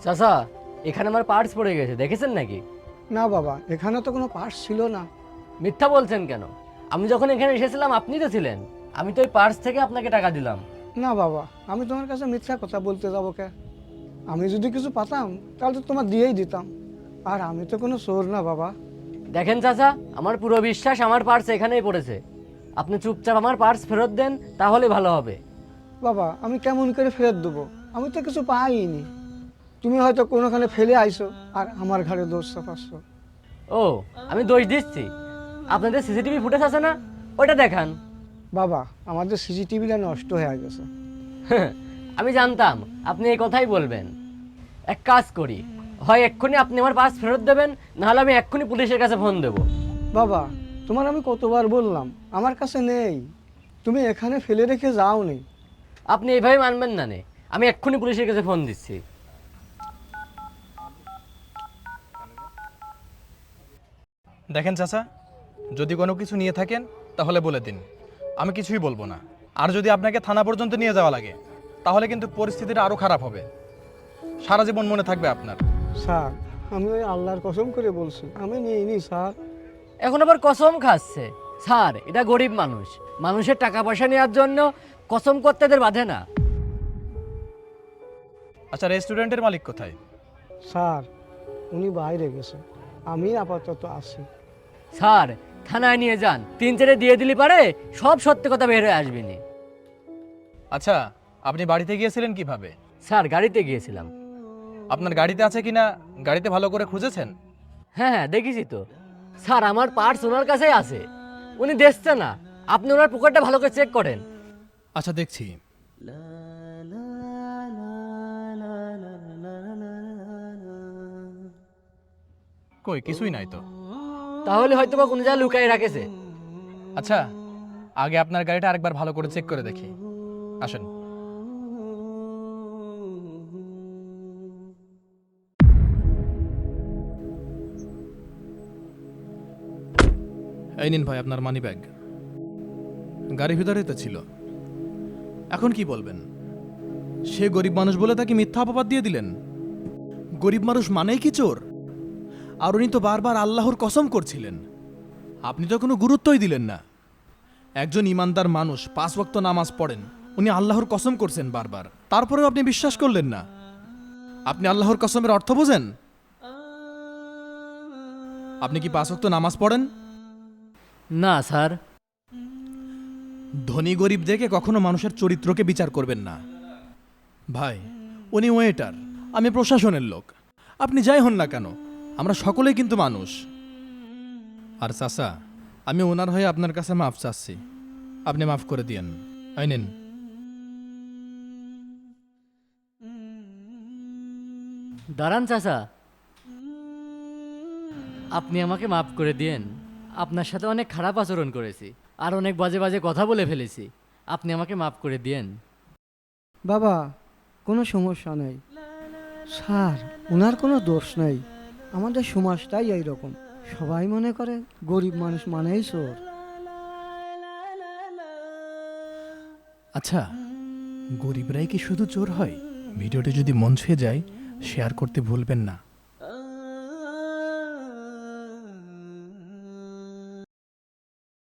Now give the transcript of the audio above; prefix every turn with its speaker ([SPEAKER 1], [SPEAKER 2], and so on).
[SPEAKER 1] চাচা, এখানে আমার পার্স পড়ে গেছে, দেখেছেন নাকি?
[SPEAKER 2] না বাবা, এখানে তো কোনো পার্স ছিল না।
[SPEAKER 1] মিথ্যা বলছেন কেন? আমি যখন এখানে এসেছিলাম আপনি তো ছিলেন। আমি তো ওই পার্স থেকে আপনাকে টাকা দিলাম।
[SPEAKER 2] না বাবা, আমি তোমার কাছে মিথ্যা কথা বলতে যাবো কে? আমি যদি কিছু পাতাম তাহলে তো তোমার দিয়েই দিতাম। আর আমি তো কোনো চোর না বাবা।
[SPEAKER 1] দেখেন চাচা, আমার পুরো বিশ্বাস আমার পার্স এখানেই পড়েছে। আপনি চুপচাপ আমার পার্স ফেরত দেন, তাহলে ভালো হবে।
[SPEAKER 2] বাবা, আমি কেমন করে ফেরত দেবো? আমি তো কিছু পাইনি। তুমি হয়তো কোনোখানে ফেলে আইছো আর আমার ঘরে দোষ চাপাচ্ছো।
[SPEAKER 1] ও, আমি দোষ দিচ্ছি? আপনাদের সিসিটিভি ফুটেজ আছে না, ওইটা দেখান।
[SPEAKER 2] বাবা, আমাদের সিসিটিভিটা নষ্ট হয়ে গেছে।
[SPEAKER 1] আমি জানতাম আপনি এই কথাই বলবেন। এক কাজ করি, হয় এক্ষুনি আপনি আমার পার্স ফেরত দেবেন, নাহলে আমি এক্ষুনি পুলিশের কাছে ফোন দেবো।
[SPEAKER 2] বাবা, তোমার আমি কতবার বললাম আমার কাছে নেই। তুমি এখানে ফেলে রেখে যাও নি।
[SPEAKER 1] আপনি এইভাবে মানবেন না নে, আমি এক্ষুনি পুলিশের কাছে ফোন দিচ্ছি।
[SPEAKER 3] দেখেন চাচা, যদি কোনো কিছু নিয়ে থাকেন তাহলে বলে দিন, আমি কিছুই বলবো না। আর যদি আপনাকে থানা পর্যন্ত নিয়ে যাওয়া লাগে তাহলে কিন্তু পরিস্থিতিটা আরও খারাপ হবে, সারা জীবন মনে থাকবে আপনার।
[SPEAKER 2] স্যার, আমি ওই আল্লাহর কসম করে বলছি আমি নিইনি স্যার।
[SPEAKER 1] এখন আবার কসম খাচ্ছে? স্যার, এটা গরিব মানুষ, মানুষের টাকা পয়সা নেওয়ার জন্য কসম করতে এদের বাধে না।
[SPEAKER 3] আচ্ছা, রেস্টুরেন্টের মালিক কোথায়?
[SPEAKER 2] স্যার, উনি বাইরে গেছে, আমি আপাতত আছি।
[SPEAKER 1] স্যার, থানায় নিয়ে যান, 3-4 দিয়ে দিলি পারে সব সত্যি কথা বের হয়ে আসবে নি।
[SPEAKER 3] আচ্ছা, আপনি বাড়িতে গিয়েছিলেন কিভাবে?
[SPEAKER 1] স্যার, গাড়িতে গিয়েছিলাম।
[SPEAKER 3] আপনার গাড়িতে আছে কিনা গাড়িতে ভালো করে খুঁজেছেন?
[SPEAKER 1] হ্যাঁ হ্যাঁ, দেখেছি তো। স্যার, আমার পার্স ওনার কাছেই আছে, উনি দেখছে না। আপনি ওনার পকেটটা ভালো করে চেক করেন।
[SPEAKER 3] আচ্ছা, দেখছি। কই, কিছুই নাই তো।
[SPEAKER 1] তাহলে হয়তো বা কোনো জায়গায় লুকাই রাখেছে।
[SPEAKER 3] আচ্ছা, আগে আপনার গাড়িটা আরেকবার ভালো করে চেক করে দেখি। আসেন। এই নিন ভাই আপনার মানি ব্যাগ, গাড়ির ভিতরেই তো ছিল। এখন কি বলবেন? সে গরিব মানুষ বলে তাকে মিথ্যা অপবাদ দিয়ে দিলেন? গরিব মানুষ মানেই কি চোর? আর উনি তো বারবার আল্লাহর কসম করছিলেন, আপনি তো কোনো গুরুত্বই দিলেন না। একজন ইমানদার মানুষ 5 ওয়াক্ত নামাজ পড়েন, উনি আল্লাহর কসম করছেন বারবার, তারপরেও আপনি বিশ্বাস করলেন না। আপনি আল্লাহর কসমের অর্থ বোঝেন? আপনি কি 5 ওয়াক্ত নামাজ পড়েন?
[SPEAKER 1] না স্যার।
[SPEAKER 3] ধনী গরিব দেখে কখনো মানুষের চরিত্রকে বিচার করবেন না ভাই। উনি ওয়েটার, আমি প্রশাসনের লোক। আপনি যাই হন না কেন, আমরা সকলেই কিন্তু মানুষ। আর চাচা, আমি ওনার হয়ে আপনার কাছে মাফ চাচ্ছি, আপনি মাফ করে দিয়েন। এই নিন।
[SPEAKER 1] দাঁড়ান চাচা, আপনি আমাকে মাফ করে দিয়েন। আপনার সাথে অনেক খারাপ আচরণ করেছি, আর অনেক বাজে বাজে কথা বলে ফেলেছি। আপনি আমাকে মাফ করে দিয়েন।
[SPEAKER 2] বাবা, কোনো সমস্যা নেই। স্যার, ওনার কোনো দোষ নেই। আমাদের সমাজটাই এইরকম, সবাই মনে করে গরিব মানুষ মানেই চোর।
[SPEAKER 3] আচ্ছা, গরিবরাই কি শুধু চোর হয়? ভিডিওটি যদি মন ছুঁয়ে যায় শেয়ার করতে ভুলবেন না।